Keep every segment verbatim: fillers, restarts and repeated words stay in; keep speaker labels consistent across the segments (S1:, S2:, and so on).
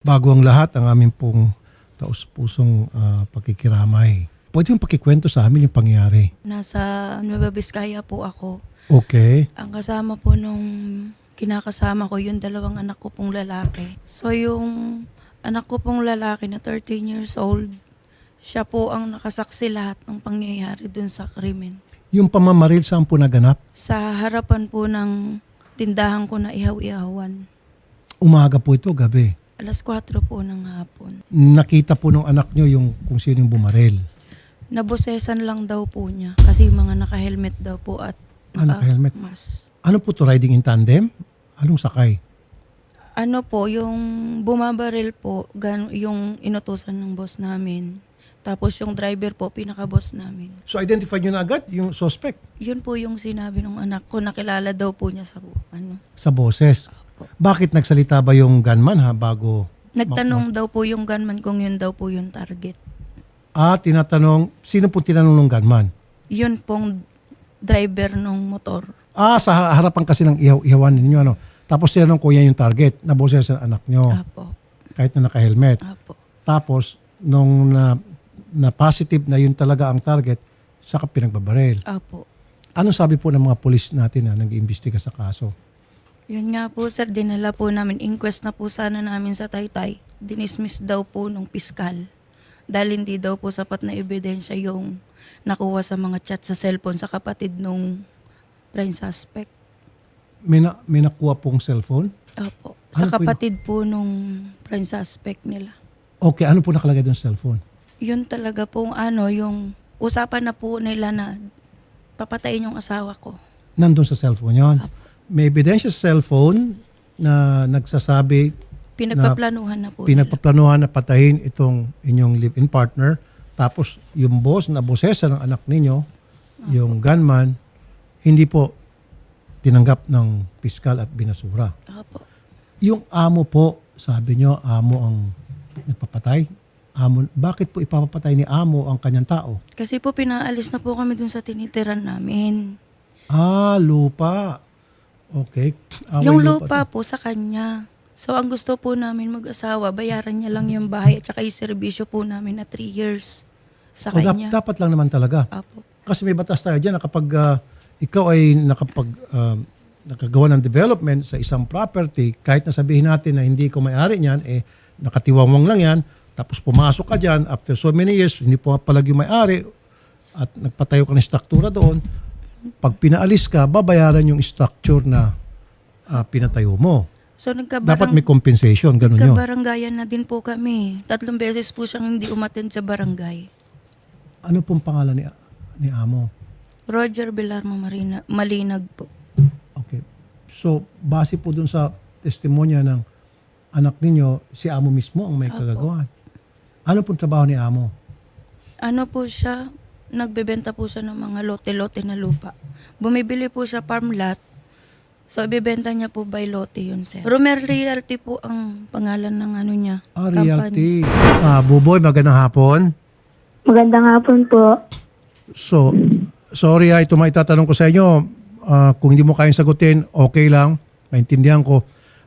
S1: Bago ang lahat, ang aming pong taus-pusong ah, pakikiramay. Pwede yung pakikwento sa amin yung pangyari.
S2: Nasa Nueva Vizcaya po ako.
S1: Okay.
S2: Ang kasama po nung kinakasama ko, yung dalawang anak ko pong lalaki. So yung anak ko pong lalaki na thirteen years old, siya po ang nakasaksi lahat ng pangyayari dun sa krimen.
S1: Yung pamamaril saan po naganap?
S2: Sa harapan po ng tindahan ko na ihaw-ihawan.
S1: Umaga po ito, gabi.
S2: Alas kwatro po ng hapon.
S1: Nakita po ng anak nyo yung kung sino yung bumaril.
S2: Nabosesan lang daw po niya kasi mga naka-helmet daw po at
S1: Ah, naka-helmet.
S2: naka-mask.
S1: Ano po to, riding in tandem? Anong sakay?
S2: Ano po, yung bumabaril po, gan, yung inutusan ng boss namin. Tapos yung driver po, pinaka-boss namin.
S1: So identify nyo na agad yung suspect
S2: Yun po yung sinabi ng anak ko, nakilala daw po niya sa ano.
S1: sa boses. Bakit nagsalita ba yung gunman ha bago?
S2: Nagtanong daw po yung gunman kung yun daw po yung target.
S1: Ah, tinatanong, sino po tinanong ng gunman?
S2: Yun pong driver ng motor.
S1: Ah, sa harapan kasi ng ihaw, ihawan ninyo, ano? Tapos tinanong ko yan yung target, na boses sa anak nyo,
S2: Apo.
S1: kahit na naka-helmet.
S2: Apo.
S1: Tapos, nung na, na positive na yun talaga ang target, saka pinagbabaril.
S2: Apo.
S1: Anong sabi po ng mga polis natin na nag-iimbestiga sa kaso?
S2: Yun nga po sir, dinala po namin, inquest na po sana namin sa Taytay. Dinismiss daw po nung piskal. Dahil hindi daw po sapat na ebidensya yung nakuha sa mga chat sa cellphone sa kapatid nung prime suspect.
S1: May, na, may nakuha pong cellphone?
S2: Opo. Sa
S1: Ano po yun?
S2: kapatid po nung prime suspect nila.
S1: Okay, ano po nakalagay doon sa cellphone?
S2: Yun talaga pong ano, yung usapan na po nila na papatayin yung asawa ko.
S1: Nandun sa cellphone yon. May ebidensya sa cellphone na nagsasabi
S2: Pinagpaplanuhan na po nila.
S1: pinagpaplanuhan na patayin itong inyong live-in partner. Tapos yung boss na bosesa ng anak ninyo, yung gunman, hindi po tinanggap ng piskal at binasura.
S2: Opo.
S1: Yung amo po, sabi nyo, amo ang nagpapatay. Amo, bakit po ipapapatay ni amo ang kanyang tao?
S2: Kasi po pinaalis na po kami dun sa tinitiran namin.
S1: Ah, lupa. Okay. Away
S2: Yung lupa
S1: to.
S2: po sa kanya. So ang gusto po namin mag-asawa, bayaran niya lang yung bahay at saka yung serbisyo po namin na three years sa
S1: O, dap-
S2: kanya.
S1: dapat lang naman talaga.
S2: Apo.
S1: Kasi may batas tayo dyan na kapag ah, ikaw ay nakapag, ah, nakagawa ng development sa isang property, kahit na sabihin natin na hindi ko may-ari niyan, eh, nakatiwangwang lang yan, tapos pumasok ka dyan, after so many years, hindi po palag yung may-ari, at nagpatayo ka ng struktura doon, pag pinaalis ka, babayaran yung structure na ah, pinatayo mo.
S2: So
S1: Dapat
S2: nagkabarang,
S1: may compensation, ganun yun.
S2: nagkabaranggayan na din po kami. Tatlong beses po siyang hindi umattend sa barangay.
S1: Ano pong pangalan ni, ni amo?
S2: Roger Belarmo Marina, Malinag po.
S1: Okay. So, base po dun sa testimonya ng anak ninyo, si amo mismo ang may
S2: Apo.
S1: kagagawan. Ano pong trabaho ni amo?
S2: Ano po siya, nagbebenta po siya ng mga lote-lote na lupa. Bumibili po siya farm lot. So, ibebenta niya po by lote yun, sir. Romer Realty po ang pangalan ng ano niya.
S1: Ah,
S2: company.
S1: realty. Ah, Buboy, magandang hapon.
S3: Magandang hapon po.
S1: So, sorry ha, ito maitatanong ko sa inyo. Ah, kung hindi mo kayang sagutin, okay lang. Maintindihan ko.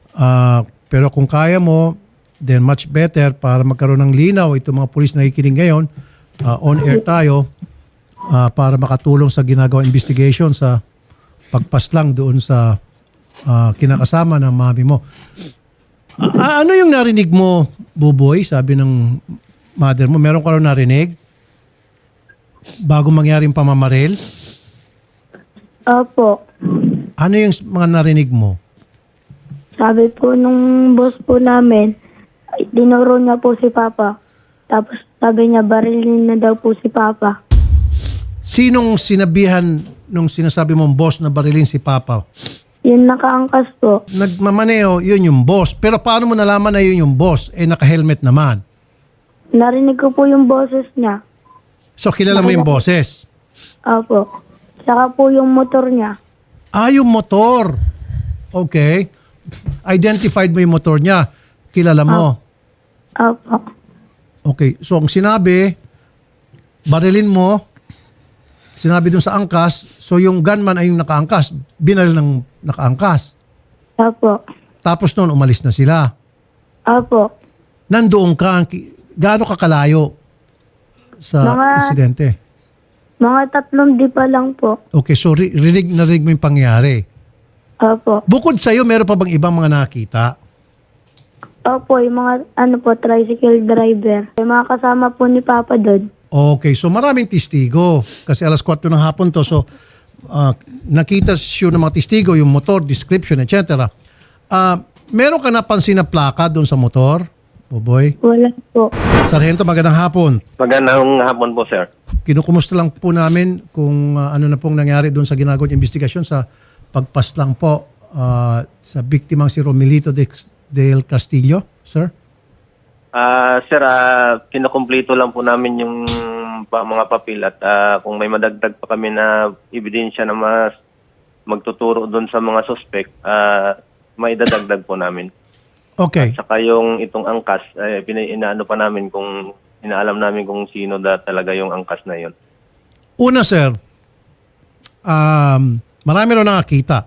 S1: Ah, pero kung kaya mo, then much better para magkaroon ng linaw itong mga pulis na nakikinig ngayon. Ah, on air tayo ah, para makatulong sa ginagawang investigation sa pagpaslang doon sa ah, kinakasama ng mami mo. Ah, ano yung narinig mo, Buboy? Sabi ng mother mo, meron ka rin narinig? Bago mangyari yung pamamaril?
S3: Opo.
S1: Ano yung mga narinig mo?
S3: Sabi po nung boss po namin, ay, dinuro niya po si Papa. Tapos sabi niya, barilin na daw po si Papa.
S1: Sinong sinabihan nung sinasabi mong boss na barilin si Papa?
S3: Yun nakaangkas po.
S1: Nagmamaneo, yun yung boss. Pero paano mo nalaman na yun yung boss? Eh, naka-helmet naman.
S3: Narinig ko po yung boses niya.
S1: So, kilala mo yung boses?
S3: Opo. Saka po yung motor niya.
S1: Ah, yung motor. Okay. Identified mo yung motor niya. Kilala mo.
S3: Opo.
S1: Okay. So, ang sinabi, barilin mo, sinabi dun sa angkas, so yung gunman ay yung nakaangkas. Binaril ng nakaangkas.
S3: Opo.
S1: Tapos noon, umalis na sila.
S3: Opo.
S1: nandoon ka, ki- gaano ka kalayo sa
S3: Mga-
S1: insidente?
S3: Mga tatlong di pa lang po.
S1: Okay, so ri- rinig na rinig mo yung pangyari.
S3: Opo.
S1: Bukod sa iyo, meron pa bang ibang mga nakita?
S3: Opo, yung mga ano po, tricycle driver. Yung mga kasama po ni Papa doon.
S1: Okay, so maraming testigo. Kasi alas kwatro ng hapon to. So, ah, nakita siya ng mga testigo, yung motor, description, et cetera. Ah, meron ka napansin na plaka doon sa motor, Boboy?
S3: Wala po.
S1: Sargento, magandang hapon.
S4: Magandang hapon po, sir.
S1: Kinukumusta lang po namin kung ah, ano na pong nangyari doon sa ginagawang investigasyon sa pagpaslang po ah, sa biktimang si Romelito de, del Castillo, sir?
S4: Ah, sir, ah, kinukumpleto lang po namin yung pa, mga papel at ah, kung may madagdag pa kami na ebidensya na mas magtuturo doon sa mga suspect, ah, may dadagdag po namin.
S1: Okay.
S4: Saka yung itong angkas, eh, pina- inaano pa namin kung inaalam namin kung sino da talaga yung angkas na yon.
S1: Una, sir, um, marami rin nakakita.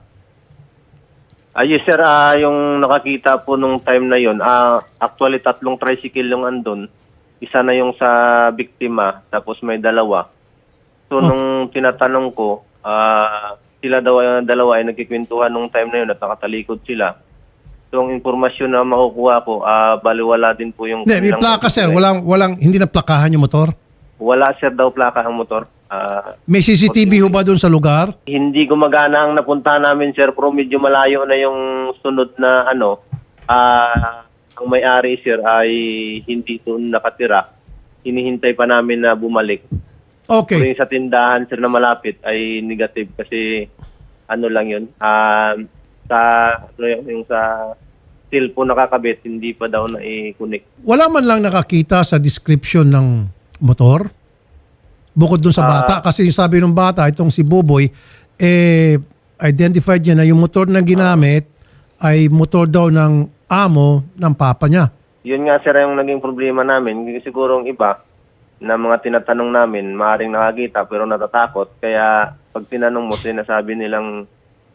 S4: Ah, yes, sir, ah, yung nakakita po nung time na yon, ah, actually tatlong tricycle yung andun. Isa na yung sa biktima, tapos may dalawa. So,
S1: Oh.
S4: nung tinatanong ko, ah, sila daw, dalawa ay nagkikwentuhan nung time na yun at nakatalikod sila. So, ang informasyon na makukuha ko, ah, baliwala din po yung...
S1: Hindi, may
S4: kanilang-
S1: plaka, sir. Walang, walang, hindi na plakahan yung motor.
S4: Wala, sir, daw plaka ang motor. Ah,
S1: May C C T V ho ba doon sa lugar?
S4: hindi gumagana ang napunta namin, sir, pero medyo malayo na yung sunod na ano, ah, ang may-ari, sir, ay hindi doon nakatira. Hinihintay pa namin na bumalik. Pero
S1: Okay.
S4: yung sa tindahan, sir, na malapit ay negative kasi ano lang yun, ah, sa, ano yun, yung sa cellphone nakakabit, hindi pa daw na i-connect.
S1: Wala man lang nakakita sa description ng motor? Bukod doon sa
S4: Ah.
S1: bata. Kasi yung sabi ng bata, itong si Boboy, eh, identified niya na yung motor na ginamit ay motor daw ng amo ng papa niya.
S4: Yun nga, sir, yung naging problema namin. Siguro ang iba na mga tinatanong namin, maaaring nakakita pero natatakot. Kaya pag tinanong mo, sinasabi nilang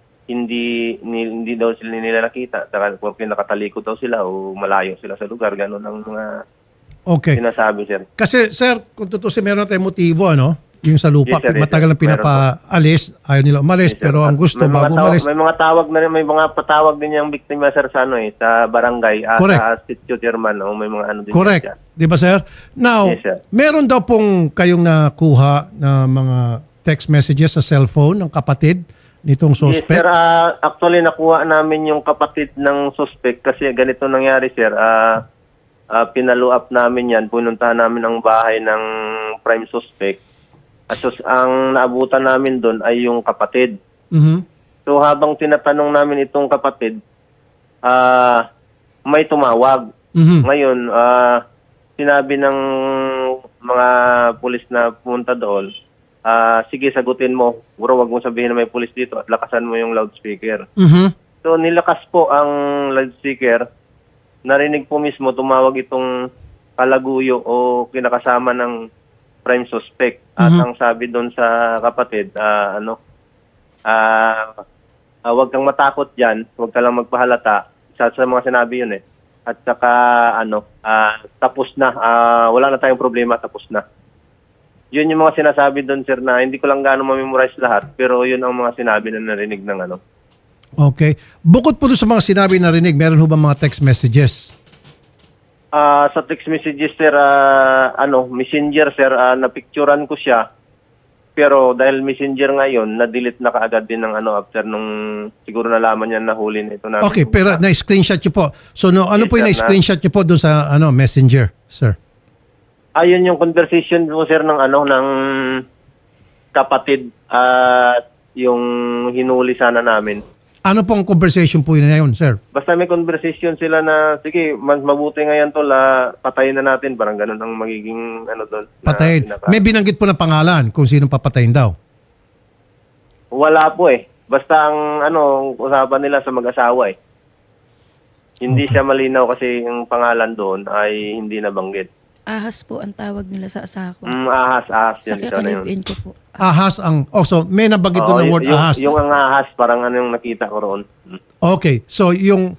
S4: hindi ni, hindi daw sila nila nakita. Saka porque nakatalikod daw sila o malayo sila sa lugar. Ganun ang mga
S1: Okay.
S4: sinasabi, sir.
S1: Kasi, sir, kung tutusin, meron tayong motibo, ano? Yung sa lupa,
S4: Yes, sir, yes,
S1: matagal
S4: sir.
S1: na pinapaalis, ayaw nila umalis,
S4: Yes, sir.
S1: pero ang
S4: At
S1: gusto,
S4: may mga
S1: bago
S4: tawag-
S1: umalis,
S4: May mga tawag na rin, may mga patawag din yung biktima, sir, sa ano eh, sa barangay, ah,
S1: Correct.
S4: sa sitio chairman, o may mga ano din.
S1: correct.
S4: dyan.
S1: Di ba, sir? Now,
S4: Yes, sir.
S1: meron daw pong kayong nakuha na mga text messages sa cellphone ng kapatid nitong
S4: Yes, sir.
S1: suspect.
S4: Ah, actually, nakuha namin yung kapatid ng suspect kasi ganito nangyari, sir. Ah, ah, pinalo up namin yan. Pununtahan namin ang bahay ng prime suspect. At sus- ang naabutan namin doon ay yung kapatid.
S1: Mhm.
S4: So, habang tinatanong namin itong kapatid, ah, may tumawag.
S1: Mhm.
S4: Ngayon, ah, sinabi ng mga pulis na pumunta doon, ah, sige, sagutin mo. Bro, wag mo sabihin na may pulis dito at lakasan mo yung loudspeaker.
S1: Mhm.
S4: So, nilakas po ang loudspeaker. Narinig po mismo, tumawag itong kalaguyo o kinakasama ng prime suspect. At
S1: Mhm.
S4: ang sabi doon sa kapatid, ah, ano, ah, ah, wag kang matakot dyan, wag ka lang magpahalata. Sa, sa mga sinabi yun eh. At saka, ano, ah, tapos na, ah, wala na tayong problema, tapos na. Yun yung mga sinasabi doon, sir, na hindi ko lang gaano ma-memorize lahat, pero yun ang mga sinabi na narinig ng ano.
S1: Okay. Bukod po doon sa mga sinabi na rinig, meron ho ba mga text messages?
S4: Ah, sa text messages, sir, ah, ano, messenger, sir, ah, napicturan ko siya. Pero dahil messenger ngayon, na-delete na kaagad din ng ano after nung siguro nalaman niya na huli nito na.
S1: Okay, pero na-screenshot nyo po. So, no, ano
S4: Yes,
S1: po yung
S4: sir,
S1: na-screenshot nyo po doon sa ano messenger, sir?
S4: Ayun yung conversation mo, sir, ng ano, ng kapatid at yung hinuli sana namin.
S1: Ano pong conversation po yun na yun, sir?
S4: Basta may conversation sila na, sige, mas mabuti ngayon to, la, patayin na natin. Parang ganun ang magiging, ano doon. na
S1: Patayin.
S4: pinaka-
S1: May binanggit po na pangalan kung sino papatayin daw.
S4: Wala po eh. Basta ang, ano, usapan nila sa mag-asawa eh. Hindi siya malinaw kasi yung pangalan doon ay hindi nabanggit.
S2: Ahas po ang tawag nila sa asawa ko.
S4: Mm, ahas, ahas.
S2: Sa
S4: Yan, ito na yun.
S2: kalibin ko po.
S1: Ahas ang... Oh, so may nabanggit
S4: Oo,
S1: doon ng
S4: y-
S1: word
S4: yung,
S1: ahas.
S4: yung ang ahas, parang ano yung nakita ko roon. Mm.
S1: Okay. So yung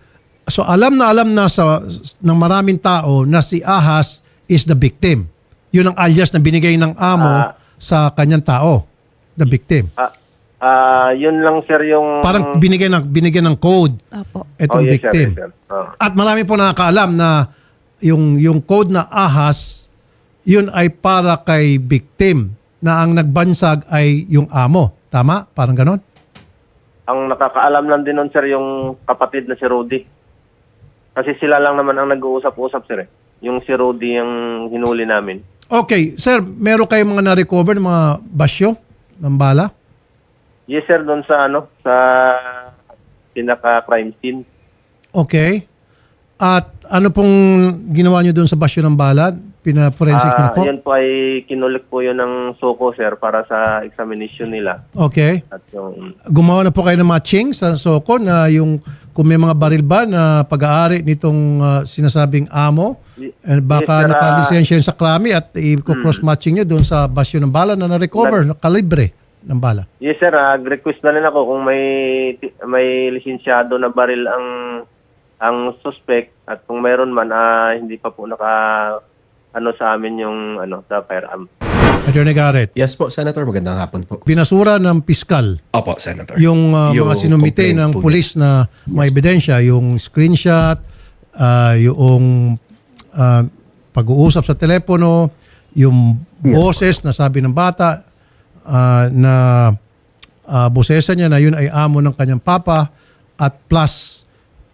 S1: So alam na alam na sa ng maraming tao na si Ahas is the victim. Yun ang alias na binigay ng amo
S4: Ah.
S1: sa kanyang tao, the victim.
S4: Ah, ah, yun lang sir yung...
S1: Parang binigyan ng binigyan ng code
S2: Opo.
S1: itong
S4: Oh, yes,
S1: victim.
S4: sir, yes, sir. Oh.
S1: At marami po nakakaalam na yung yung code na Ahas, yun ay para kay victim na ang nagbansag ay yung amo. Tama? Parang ganon?
S4: Ang nakakaalam lang din nun, sir, yung kapatid na si Rudy. Kasi sila lang naman ang nag-uusap-usap, sir. Eh. Yung si Rudy yung hinuli namin.
S1: Okay, sir, meron kayong mga na-recover ng mga basyo ng bala?
S4: Yes, sir, doon sa ano, sa pinaka-crime scene.
S1: Okay. At ano pong ginawa nyo doon sa basyo ng bala? Pina-forensic nyo
S4: Ah,
S1: na po?
S4: yun po ay kinulik po yun ng Soko, sir, para sa examination nila.
S1: Okay.
S4: At yung...
S1: Gumawa na po kayo ng matching sa Soko na yung kung may mga baril ba na pag-aari nitong ah, sinasabing amo, eh, baka
S4: Yes, sir, ah,
S1: nakalisensya yun sa krami at i-cross-matching nyo doon sa basyo ng bala na na-recover, na kalibre ng bala.
S4: Yes, sir, nag-request na rin ako kung may may lisensyado na baril ang ang suspect at kung mayroon man ah, hindi pa po naka ano sa amin yung ano sa firearm.
S1: Attorney Garrett,
S5: Yes po, Senator. Magandang hapon po.
S1: binasura ng piskal
S5: Opo, Senator.
S1: yung uh, mga sinumite
S5: complaint
S1: ng
S5: po
S1: pulis na may ebidensya, yung screenshot, ah, yung ah, pag-uusap sa telepono, yung boses na sabi ng bata ah, na uh, bosesa niya na yun ay amo ng kanyang papa at plus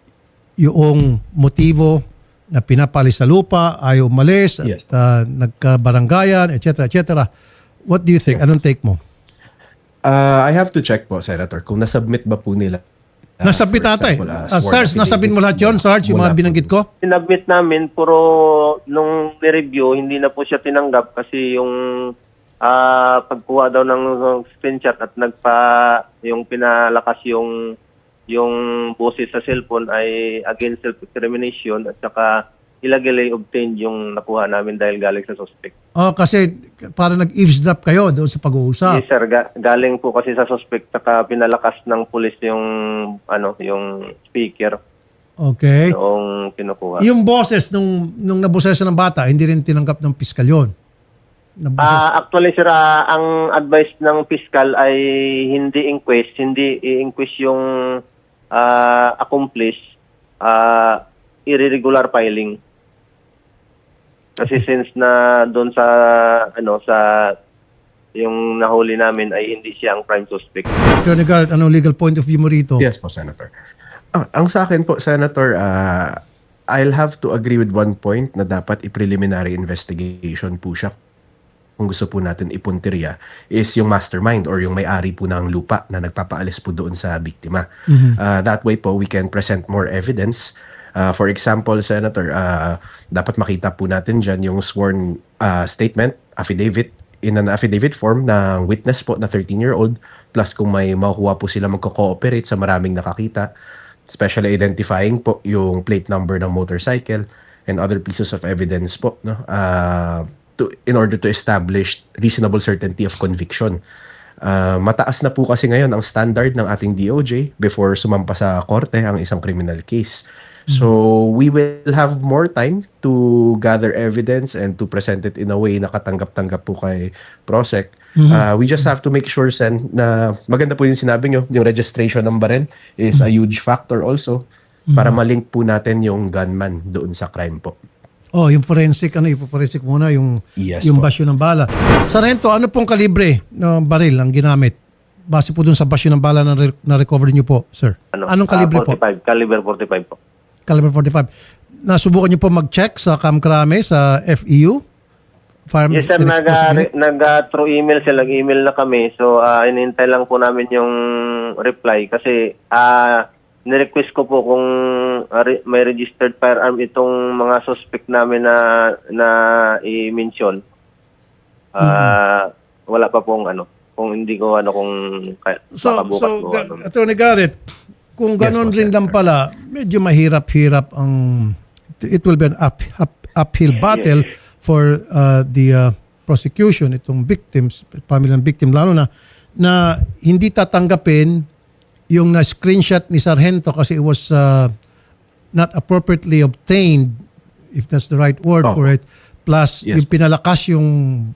S1: yung motibo na pinapali sa lupa, ayaw umalis,
S5: Yes.
S1: at ah, nagkabaranggayan, et cetera, et cetera. What do you think? Anong take mo?
S5: Uh, I have to check po, Senator, kung nasubmit ba po nila. uh,
S1: Nasabit
S5: for
S1: ata eh.
S5: example, uh,
S1: Ah,
S5: sworn
S1: Sarge, nasabit mo lahat yun,
S5: affidavit
S1: Sarge, yung
S5: mula
S1: mga
S5: po
S1: binanggit
S5: dun
S1: ko?
S4: Sinabit namin pero nung ni-review hindi na po siya tinanggap kasi yung ah, pagkuha daw ng screenshot at nagpa yung pinalakas yung yung boses sa cellphone ay against self-incrimination at saka illegally obtained yung nakuha namin dahil galing sa suspect.
S1: Oh, kasi para nag-eavesdrop kayo doon sa pag-uusap.
S4: Yes sir, Ga- galing po kasi sa suspect saka pinalakas ng pulis yung ano yung speaker
S1: Okay.
S4: noong kinukuha.
S1: Yung boses nung nung nabosesa ng bata, hindi rin tinanggap ng piskal yun. Naboses-
S4: Ah, actually sir, ah, ang advice ng fiscal ay hindi inquest, hindi i-inquest yung ah, accomplice, ah, irregular filing. Kasi since na doon sa ano sa yung nahuli namin ay hindi siya ang prime suspect.
S1: Attorney Garrett, anong legal point of view mo rito?
S5: Yes po, Senator. Ah, ang sa akin po, Senator, uh, I'll have to agree with one point na dapat i-preliminary investigation po siya kung gusto po natin ipuntirya is yung mastermind or yung may-ari po ng lupa na nagpapaalis po doon sa biktima. Uh, that way po, we can present more evidence. Uh, for example, Senator, uh, dapat makita po natin dyan yung sworn uh, statement, affidavit, in an affidavit form ng witness po na thirteen-year-old plus kung may makukuha po sila magko-cooperate sa maraming nakakita, especially identifying po yung plate number ng motorcycle and other pieces of evidence po, no? Uh, to, in order to establish reasonable certainty of conviction. Uh, mataas na po kasi ngayon ang standard ng ating D O J before sumampa sa korte ang isang criminal case. So we will have more time to gather evidence and to present it in a way na katanggap-tanggap po kay Prosec. Uh, we just have to make sure, Sen, na maganda po yung sinabi nyo, yung registration ng baril is a huge factor also para malink po natin yung gunman doon sa crime po.
S1: Oh, yung forensic, ano, ipo-forensic muna yung,
S5: Yes
S1: yung
S5: po.
S1: basyo ng bala. Sargento, ano pong kalibre ng baril ang ginamit? Base po dun sa basyo ng bala na, re- na recover niyo po, sir.
S4: Ano,
S1: Anong kalibre
S4: ah,
S1: po?
S4: forty-five, caliber forty-five po.
S1: Caliber forty-five. Nasubukan niyo po mag-check sa Kamkrame, sa F E U? Farm
S4: Yes sir,
S1: and
S4: nag,
S1: Explosive Unit?
S4: nag uh, through email sila, nag-email na kami. So, uh, inintay lang po namin yung reply kasi uh, nirequest ko po kung uh, re- may registered firearm itong mga suspect namin na na i-mention. Uh,
S1: Mm-hmm.
S4: Wala pa pong ano, kung hindi ko ano kung kaya,
S1: So,
S4: baka bukas
S1: so
S4: ko,
S1: Ga-
S4: ano.
S1: Attorney Garrett, kung
S5: Yes
S1: ganon
S5: po,
S1: rin lang
S5: Senator.
S1: pala, medyo mahirap-hirap ang, it will be an up, up, uphill battle for uh, the uh, prosecution, itong victims, pamilyang victim, lalo na, na hindi tatanggapin yung na-screenshot ni Sargento kasi it was uh, not appropriately obtained, if that's the right word
S5: Oh.
S1: for it, plus
S5: Yes.
S1: yung pinalakas yung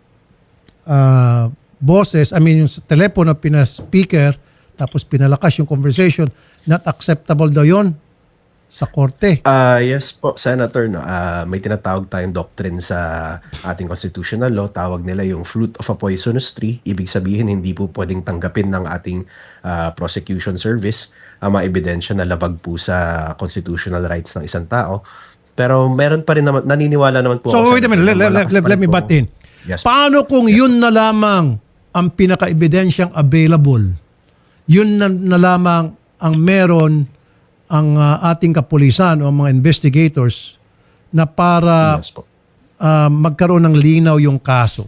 S1: uh, boses, I mean yung sa telepono pina-speaker, tapos pinalakas yung conversation, not acceptable daw yun sa korte.
S5: Ah, yes po, Senator. No, Ah, may tinatawag tayong doctrine sa ating constitutional law. Tawag nila yung fruit of a poisonous tree. Ibig sabihin, hindi po pwedeng tanggapin ng ating ah, prosecution service ang mga ebidensya na labag po sa constitutional rights ng isang tao. Pero meron pa rin naman, naniniwala naman po
S1: So
S5: ako,
S1: wait a
S5: Senator,
S1: minute, let,
S5: na
S1: let,
S5: malakas
S1: let,
S5: pa
S1: let
S5: rin
S1: me
S5: po-
S1: butt in.
S5: Yes po.
S1: Paano kung yun na lamang ang pinaka-ebidensyang available? Yun na, na lamang ang meron ang uh, ating kapulisan o mga investigators na para
S5: Yes po.
S1: uh, magkaroon ng linaw yung kaso.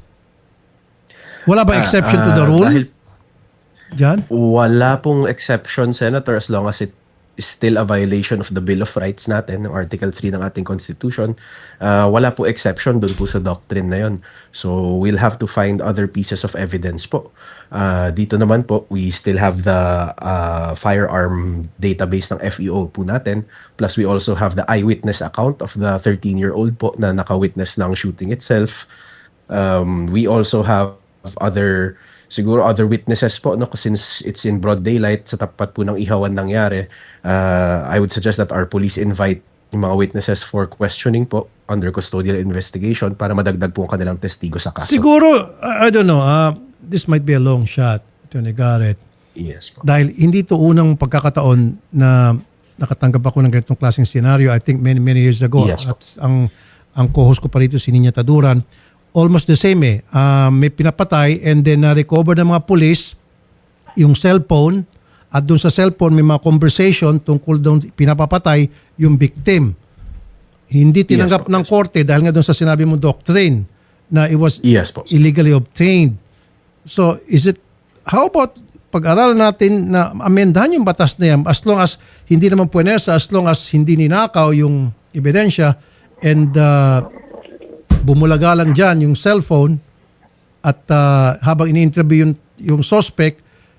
S1: Wala ba
S5: Ah,
S1: exception to the
S5: ah,
S1: rule?
S5: Dahil
S1: Diyan?
S5: wala pong exception, Senator, as long as it is still a violation of the Bill of Rights natin, ng Article three ng ating Constitution. Uh, wala po exception doon po sa doctrine na yon. So, we'll have to find other pieces of evidence po. Uh, dito naman po, we still have the uh, firearm database ng F E O po natin. Plus, we also have the eyewitness account of the thirteen-year-old po na nakawitness ng shooting itself. Um, we also have other siguro other witnesses po, no, since it's in broad daylight sa tapat po ng ihawan nangyari. uh, I would suggest that our police invite yung mga witnesses for questioning po under custodial investigation para madagdag po ang kanilang testigo sa kaso.
S1: Siguro, I, I don't know, uh, this might be a long shot, Attorney Garrett.
S5: Yes po.
S1: Dahil hindi to unang pagkakataon na nakatanggap ako ng ganitong klaseng scenario. I think many, many years ago.
S5: Yes.
S1: At ang, ang co-host ko pa rito, si Ninya Taduran, almost the same eh. Uh, may pinapatay and then na-recover ng mga police yung cellphone at doon sa cellphone may mga conversation tungkol doon pinapapatay yung victim. Hindi tinanggap
S5: Yes po,
S1: ng
S5: yes.
S1: korte dahil nga doon sa sinabi mo doctrine na it was
S5: Yes po.
S1: illegally obtained. So, is it, how about pag-aralan natin na amendahan yung batas na yan as long as hindi naman puwersa, as long as hindi ninakaw yung ebidensya and uh, bumulaga lang dyan yung cellphone at uh, habang ini-interview yung, yung suspect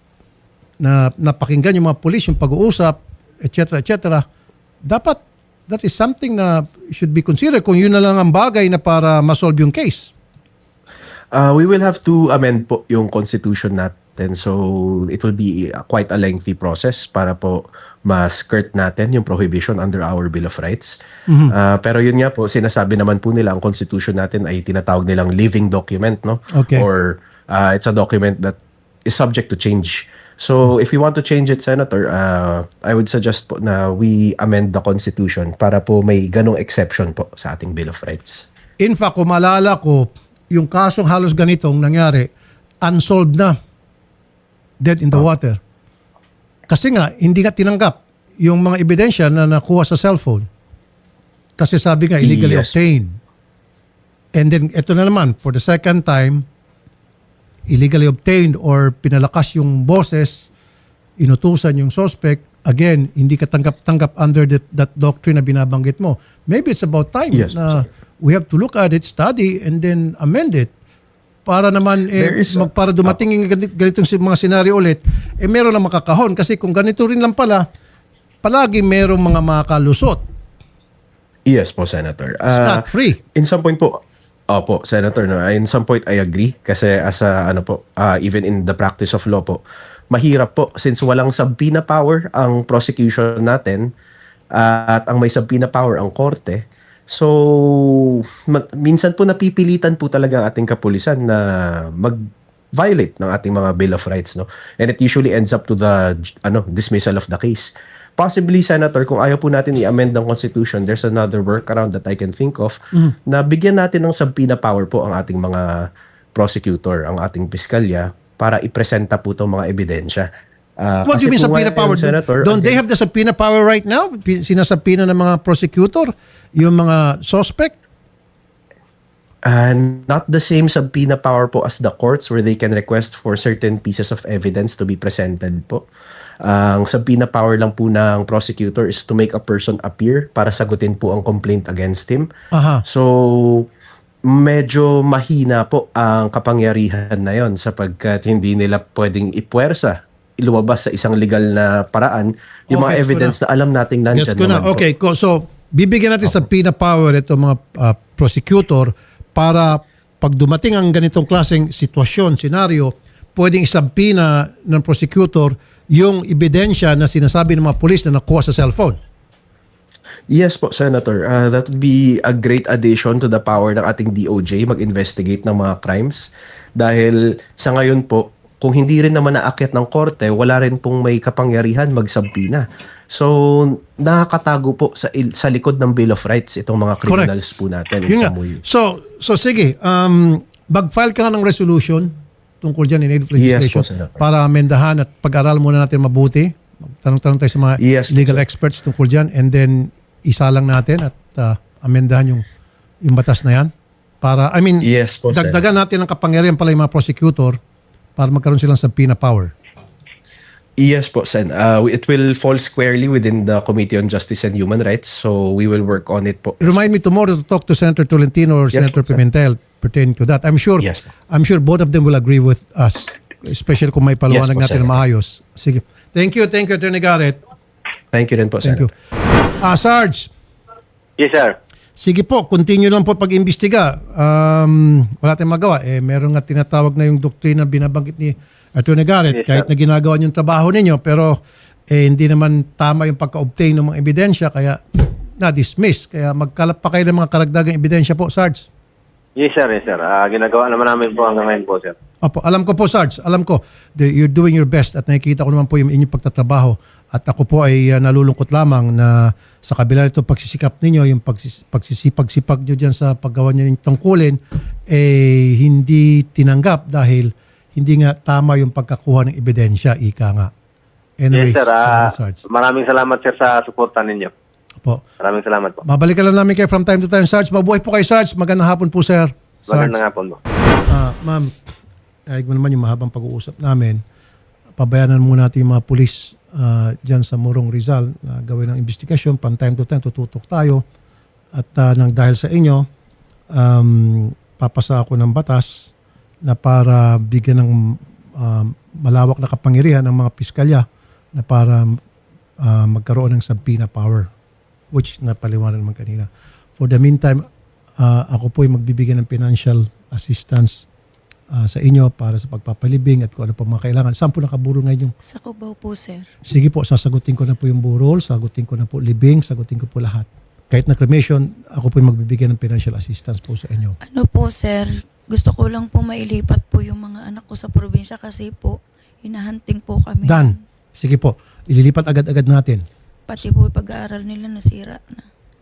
S1: na napakinggan yung mga police, yung pag-uusap, et cetera, et cetera, dapat that is something na should be considered kung yun na lang ang bagay na para masolve yung case.
S5: Uh, we will have to amend po yung constitution natin. So, it will be uh, quite a lengthy process para po ma-skirt natin yung prohibition under our Bill of Rights. Uh, pero yun nga po, sinasabi naman po nila, ang constitution natin ay tinatawag nilang living document, no?
S1: Okay.
S5: Or uh, it's a document that is subject to change. So, if we want to change it, Senator, uh, I would suggest po na we amend the constitution para po may ganong exception po sa ating Bill of Rights.
S1: In fact, kung maalala ko, yung kasong halos ganitong nangyari, unsolved na. Dead in the water. Kasi nga, hindi nga tinanggap yung mga ebidensya na nakuha sa cellphone. Kasi sabi nga, illegally
S5: Yes.
S1: obtained. And then, ito na naman, for the second time, illegally obtained or pinalakas yung boses, inutusan yung suspect, again, hindi ka tanggap-tanggap under that, that doctrine na binabanggit mo. Maybe it's about time
S5: Yes,
S1: na
S5: sir.
S1: we have to look at it, study, and then amend it. Para naman, eh,
S5: There is a-
S1: mag, para dumating yung ganit- ganitong si- mga senaryo ulit, eh meron na makakahon. Kasi kung ganito rin lang pala, palagi merong mga makalusot.
S5: Yes po, Senator.
S1: It's
S5: Uh,
S1: not free.
S5: In some point po, opo, Senator, no, in some point I agree kasi as a, ano po, uh, even in the practice of law po, mahirap po since walang subpoena power ang prosecution natin uh, at ang may subpoena power ang korte. So, ma- minsan po napipilitan po talaga ang ating kapulisan na mag-violate ng ating mga Bill of Rights, no? And it usually ends up to the ano dismissal of the case. Possibly, Senator, kung ayaw po natin i-amend ng Constitution, there's another workaround that I can think of na bigyan natin ng subpoena power po ang ating mga prosecutor, ang ating piskalya para ipresenta po itong mga ebidensya. Uh,
S1: What do you mean
S5: kasi kung
S1: subpoena
S5: ngayon,
S1: power?
S5: Senator,
S1: Don't they
S5: again-
S1: have the subpoena power right now? Pi- Sinasubpoena ng mga prosecutor, yung mga suspect?
S5: Uh, not the same subpoena power po as the courts where they can request for certain pieces of evidence to be presented po. Ang subpoena power lang po ng prosecutor is to make a person appear para sagutin po ang complaint against him.
S1: Aha.
S5: So, medyo mahina po ang kapangyarihan na yon sapagkat hindi nila pwedeng ipuwersa lumabas sa isang legal na paraan, yung mga
S1: Okay, so
S5: evidence na. alam nating nandyan
S1: Yes ko na.
S5: naman po.
S1: Okay, ko- so bibigyan natin sa subpoena power ito mga ah, prosecutor para pag dumating ang ganitong klaseng sitwasyon, senaryo, pwedeng isubpoena ng prosecutor yung ebidensya na sinasabi ng mga pulis na nakuha sa cellphone.
S5: Yes po, Senator. Uh, that would be a great addition to the power ng ating D O J mag-investigate ng mga crimes. Dahil sa ngayon po, kung hindi rin naman naakyat ng korte, wala rin pong may kapangyarihan magsabpina. So, nakakatago po sa, il- sa likod ng Bill of Rights itong mga criminals po natin in
S1: Yun nga.
S5: some way.
S1: So, so sige, um, mag-file ka nga ng resolution tungkol dyan in aid of
S5: Yes
S1: legislation
S5: po, Senator.
S1: para amendahan at pag-aral muna natin mabuti. Tanong-tanong tayo sa mga
S5: Yes po,
S1: legal
S5: sir.
S1: experts tungkol dyan and then isalang natin at uh, amendahan yung, yung batas na yan. Para, I mean,
S5: Yes po, sir.
S1: dagdagan natin ang kapangyarihan pala yung mga prosecutor para magkaroon silang subpoena power.
S5: Yes po, Sen. Uh, it will fall squarely within the Committee on Justice and Human Rights. So, we will work on it po.
S1: Remind me tomorrow to talk to Senator Tolentino or
S5: Yes,
S1: Senator
S5: po, sir.
S1: Pimentel pertaining to that. I'm sure
S5: Yes, po.
S1: I'm sure both of them will agree with us, especially kung may paliwanag
S5: Yes, po,
S1: natin na
S5: Senator.
S1: maayos. Sige. Thank you, thank you, Attorney Garrett.
S5: Thank you rin po,
S1: Thank you.
S5: Senator.
S1: Ah, Sarge,
S4: Yes, sir.
S1: sige po, continue lang po pag-imbestiga. Um, wala tayong magawa. Eh, meron nga tinatawag na yung doktrina binabanggit ni Attorney Garrett,
S4: Yes,
S1: kahit
S4: sir.
S1: na ginagawa niyo yung trabaho ninyo, pero eh, hindi naman tama yung pagka-obtain ng mga ebidensya, kaya na-dismiss. Kaya magkalap pa kayo ng mga karagdagang ebidensya po, Sarge.
S4: Yes, sir. Yes, sir. Ah, ginagawa naman namin po hanggang ngayon po, sir.
S1: Opo, alam ko po, Sarge. Alam ko, that you're doing your best at nakikita ko naman po yung inyong pagtatrabaho. At ako po ay uh, nalulungkot lamang na sa kabila nito pagsisikap ninyo, yung pagsis- pagsisipag-sipag nyo dyan sa paggawa nyo ng tungkulin, eh hindi tinanggap dahil hindi nga tama yung pagkakuha ng ebidensya, ika nga. Anyway,
S4: Yes, sir. Ah,
S1: sorry, Sarge.
S4: maraming salamat, sir, sa suporta ninyo.
S1: Opo.
S4: Maraming salamat po.
S1: Mabalikan lang namin kayo from time to time, Sarge. Mabuhay po kayo, Sarge. Magandang hapon po, sir. Sarge.
S4: Magandang hapon po.
S1: Ah, ma'am, narinig mo naman yung mahabang pag-uusap namin. Pabayanan muna natin yung mga pulis ah, dyan sa Morong Rizal na gawin ng investigasyon. From time to time, tututok tayo. At ah, nang dahil sa inyo, um, papasa ako ng batas na para bigyan ng um, malawak na kapangyarihan ng mga piskalya na para ah, magkaroon ng subpoena power, which napaliwanag naman kanina. For the meantime, ah, ako po ay magbibigay ng financial assistance ah, sa inyo para sa pagpapalibing at kung ano pa mga kailangan. Saan po nakaburol ngayon yung...
S2: Sa Cubao po, sir.
S1: Sige po, sasagutin ko na po yung burol, sagutin ko na po libing, sagutin ko po lahat. Kahit na cremation, ako po ay magbibigay ng financial assistance po sa inyo.
S2: Ano po, sir, gusto ko lang po mailipat po yung mga anak ko sa probinsya kasi po, hinahunting po kami.
S1: Dan, sige po, ililipat agad-agad natin.
S2: Pati po yung pag-aaral nila nasira na.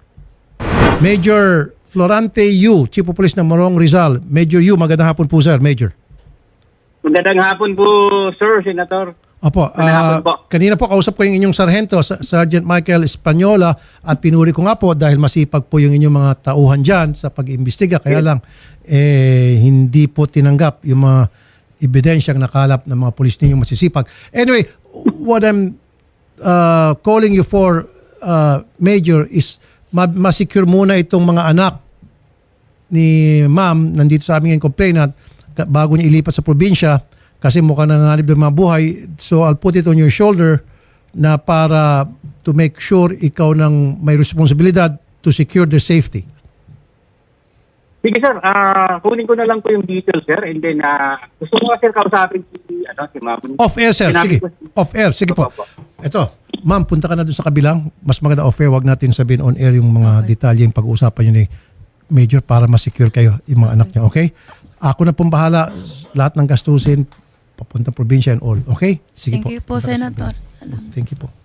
S1: Major Florante Yu, Chief of Police ng Morong Rizal. Major Yu, magandang hapon po, sir. Major.
S6: Magandang hapon po, Sir Senator.
S1: Opo,
S6: Magandang hapon
S1: ah,
S6: po.
S1: kanina po kausap ko yung inyong sarhento, Sa- Sergeant Michael Espanyola, at pinuri ko nga po dahil masipag po yung inyong mga tauhan dyan sa pag-imbestiga. Kaya lang, eh, hindi po tinanggap yung mga ebidensyang nakalap ng mga pulis ninyong masisipag. Anyway, what I'm uh, calling you for, uh, Major, is ma- masecure muna itong mga anak ni ma'am, nandito sa amin yung complainant, ka- bago niya ilipat sa probinsya, kasi mukhang nangangalib ng mga buhay. So I'll put it on your shoulder na para to make sure ikaw nang may responsibilidad to secure their safety.
S6: Sige, sir. ah kunin ko na lang po yung details, sir. And then, ah gusto ko nga, sir, kausapin si, ano, si Ma'am.
S1: Off air, sir.
S6: Sinabi
S1: Sige.
S6: ko-
S1: Off air. Sige po.
S6: Opo.
S1: Ito. Ma'am, punta ka na doon sa kabilang. Mas maganda off air. Wag natin sabihin on air yung mga detalye yung pag-uusapan nyo ni Major para ma-secure kayo yung mga anak niyo. Okay? Ako na pong bahala. Lahat ng gastusin, papunta probinsya and all. Okay? Sige
S2: Thank
S1: po.
S2: you po,
S1: Punta ka sa
S2: Senator.
S1: kabilang. Thank you po.